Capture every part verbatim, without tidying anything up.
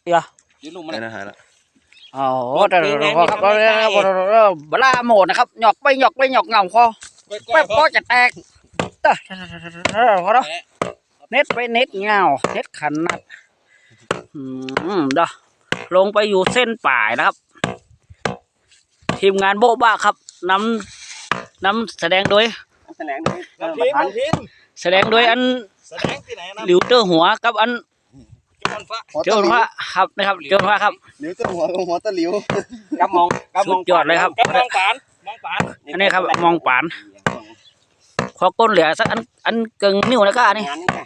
เหรอยืนลุ่มมันนะฮะแล้วอ๋อแต่พอครับเราเวลาโหมดนะครับหยอกไปหยอกไปหยอกเงาคอแป๊บก็จะแตกเด้อพอแล้วเน็ตไปเน็ตเงาเน็ตขันนัดอืมเด้อลงไปอยู่เส้นป่ายนะครับทีมงานโบ๊ะบ้าครับนำนำแสดงโดยแสดงโดยทีมแสดงโดยอันหลิวเตอร์หัวกับอันเจ้าพระครับนะครับเจ้าพระครับหลิวเตอร์หัวกับหัวตะหลิวกำมองกำมองยอดเลยครับมองปานมองปานอันนี้ครับมองปานขอก้นเหลือสักอันอันเกิงนิ้วนะก้านี่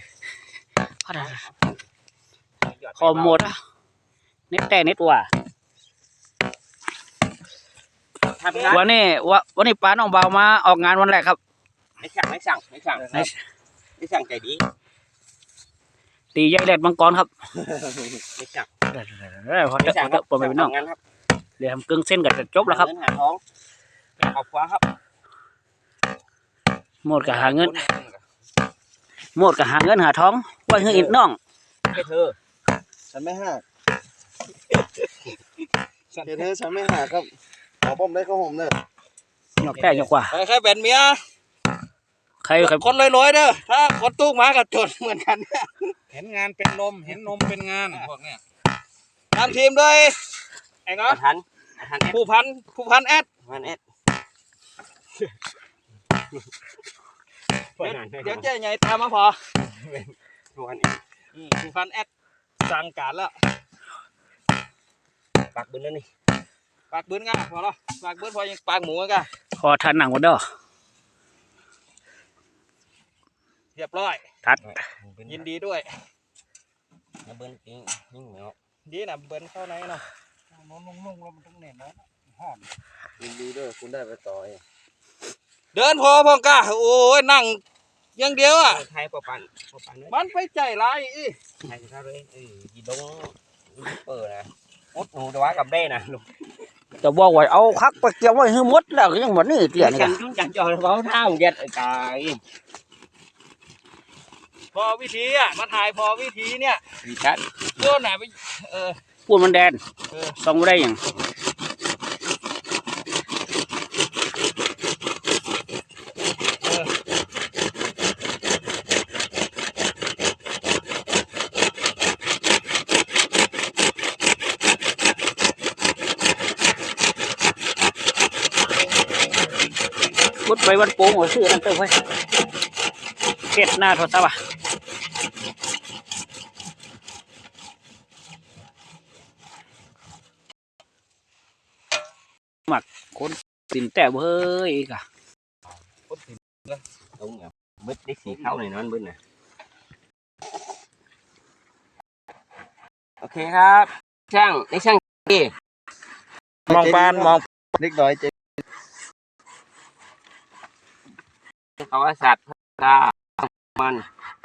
ขอหมดอ่ะเน็ตแต่เน็ตว่ะวันนี้วันวันนี้ป้าน้องเบามาออกงานวันแรกครับไม่สั่งไม่สั่งไม่สั่งไม่สั่งใจดีตีใหญ่แหลดมังกรครับไม่สั่งพอเถอะพอไปเป็นน้องเดี๋ยวทำกึ่งเส้นกับจะจบแล้วครับหาท้องเอาขวาครับหมดกับหาเงินหมดกับหาเงินหาท้องไว้ให้อีกน้องให้เธอฉันไม่หักเธอฉันไม่หักครับขอผมได้ข้าวหอมเนอะหยอกแต่หยอกกว่าใครเป็นเมียใครใครคนลอยๆเด้อถ้าคนตู้มากับจดเหมือนกันเนี่ยเห็นงานเป็นนมเห็นนมเป็นงานพวกเนี้ยทำทีมด้วยไอ้เนาะพันผู้พันผู้พันแอดพันแอดเดี๋ยวเจ๊ใหญ่ตามมาพอผู้พันแอดผู้พันแอดสั่งการแล้วปากบืนแล้วนี่ปากบืนง่ะพอแล้วปากบืนพอยังปากหมูกันพอทันหนังหมดเด้อเรียบร้อยทัดยินดีด้วยเบิ้ลยิ่งยิ่งเหนียวดีนะเบิ้ลเข้าในเนาะนุ่งนุ่งนุ่งแล้วมันต้องเหน็บนะหอมยินดีด้วยคุณได้ไปต่อเองเดินพอพองกะโอ้ยนั่งยังเดียวอ่ะไทยปะปันปะปันมันไปใจร้ายอีไทยเขาเลยเออยีดงเปิดนะมดหนูตัวกับเบ้นะลูกแต่บอกว่าเอาคักไปเกี่ยวไว้ให้มดแล้วยังหมดนี่เกลี่ยนี่กันจังจอเขาเท้าเย็ดไก่พอวิธีอ่ะมาถ่ายพอวิธีเนี่ยวิชัดโยนไหนไปเออพูดมันแดนส่งได้ยังพุดไปวันโป่งหัวซื้อนั่นเติมไว้เก็ดหน้าโทรศัพท์อ่ะหมักคนสินแต่เบ้ยอีกอ่ะตรงเนี้ยบึ้ดได้สีขาวหน่อยนั่นบึ้ดน่ะโอเคครับช่างในช่างดีมองปานมองเล็กน้อยเจ๊เขาว่าสัตว์ตามัน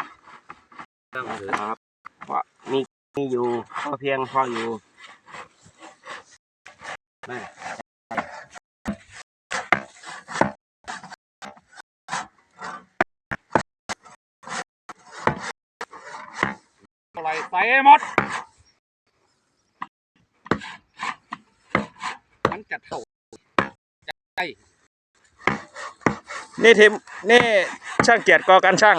ครับว่ามีมีอยู่พอเพียงพออยู่อะไรใส่หมดมันจัดโตใช่นี่ทีมนี่ช่างเกียรติกอการช่าง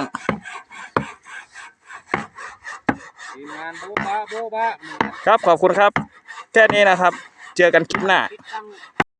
ทีมงานโบ๊ะบ้าโบ๊ะบ้าครับขอบคุณครับแค่นี้นะครับเจอกันคลิปหน้า